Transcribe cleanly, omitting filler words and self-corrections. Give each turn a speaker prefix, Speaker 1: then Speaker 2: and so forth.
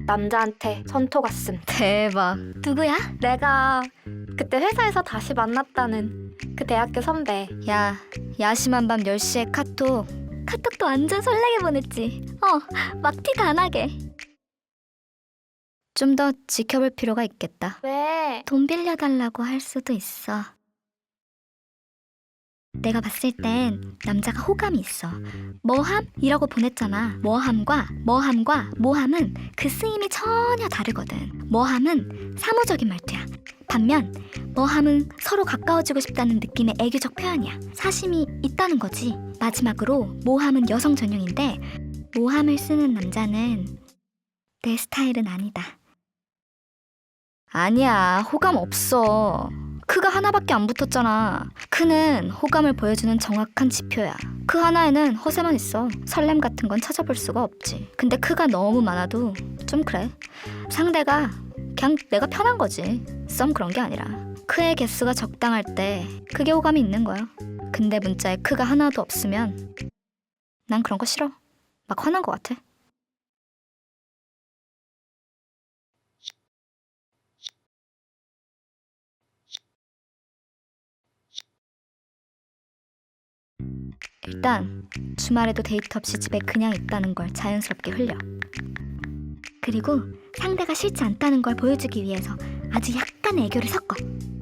Speaker 1: 남자한테 선톡 왔음.
Speaker 2: 대박. 누구야?
Speaker 1: 내가 그때 회사에서 다시 만났다는 그 대학교 선배.
Speaker 2: 야, 야심한 밤 10시에 카톡. 카톡도 완전 설레게 보냈지. 막 티 다 나게. 좀 더 지켜볼 필요가 있겠다.
Speaker 1: 왜?
Speaker 2: 돈 빌려달라고 할 수도 있어. 내가 봤을 땐 남자가 호감이 있어. 뭐함이라고 보냈잖아. 뭐함과 모함은 그 쓰임이 전혀 다르거든. 뭐함은 사무적인 말투야. 반면 뭐함은 서로 가까워지고 싶다는 느낌의 애교적 표현이야. 사심이 있다는 거지. 마지막으로 모함은 여성 전용인데 모함을 쓰는 남자는 내 스타일은 아니다. 아니야, 호감 없어. 크가 하나밖에 안 붙었잖아. 크는 호감을 보여주는 정확한 지표야. 크 하나에는 허세만 있어. 설렘 같은 건 찾아볼 수가 없지. 근데 크가 너무 많아도 좀 그래. 상대가 그냥 내가 편한 거지. 썸 그런 게 아니라. 크의 개수가 적당할 때 그게 호감이 있는 거야. 근데 문자에 크가 하나도 없으면 난 그런 거 싫어. 막 화난 거 같아. 일단 주말에도 데이트 없이 집에 그냥 있다는 걸 자연스럽게 흘려. 그리고 상대가 싫지 않다는 걸 보여주기 위해서 아주 약간의 애교를 섞어.